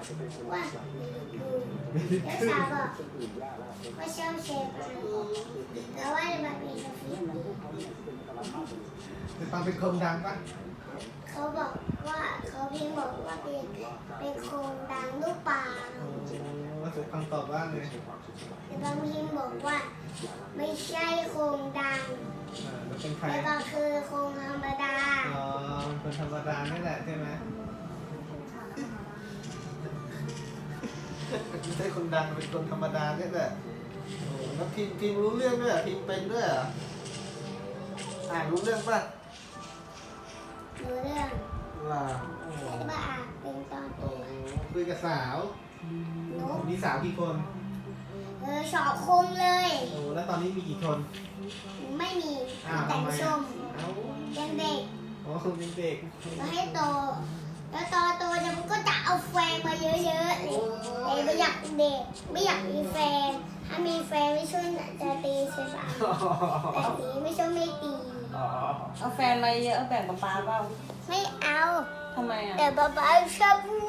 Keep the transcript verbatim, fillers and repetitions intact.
ว่าไม่รู้แล้วสาวบอกว่าชอบเชฟแต่ว่าแบบเป็นกาแฟแต่ตอนเป็นคนดังปะเขาบอกว่าเขาเพียงบอกว่าเป็นเป็นโครงดังลูกปลาโอ้ว่าสุดคำตอบว่าไงแต่บางทีมบอกว่าไม่ใช่โครงดังอ่าแล้วเป็นใครแล้วก็คือโครงธรรมดาอ๋อเป็นธรรมดานี่แหละใช่ไหมไม่ใช่คนดังเป็นคนธรรมดานี่แหละโอ้แล้วพิมพ์พิมพ์รู้เรื่องด้วยเหรอพิมพ์เป็นด้วยเหรออ่านรู้เรื่องป่ะรู้เรื่องว้าวโอ้โหแต่ว่าอ่านเป็นตอนโอ้โหคุยกับสาวนกมีสาวกี่คนเออชอบคมเลยโอ้แล้วตอนนี้มีกี่คนไม่มีอ้าวแต่ทำงไมชอ่ะมเอ้ายังเด็กอ๋อคุณเป็นเด็กมาให้โต แล้วตอนโตเดี๋ยวมันก็จะเอาแฟนมาเยอะๆเลยแต่ไม่อยากเป็นเด็ก ไม่อยากมีแฟน ถ้ามีแฟนไม่ช่วยจะตีใช่ปะแต่ตีไม่ช่วยไม่ตีอ๋อเอาแฟนมาเยอะแบ่งกับป้าเปล่าไม่เอาทำไมอ่ะแต่ป๊าป๊าชอบผู้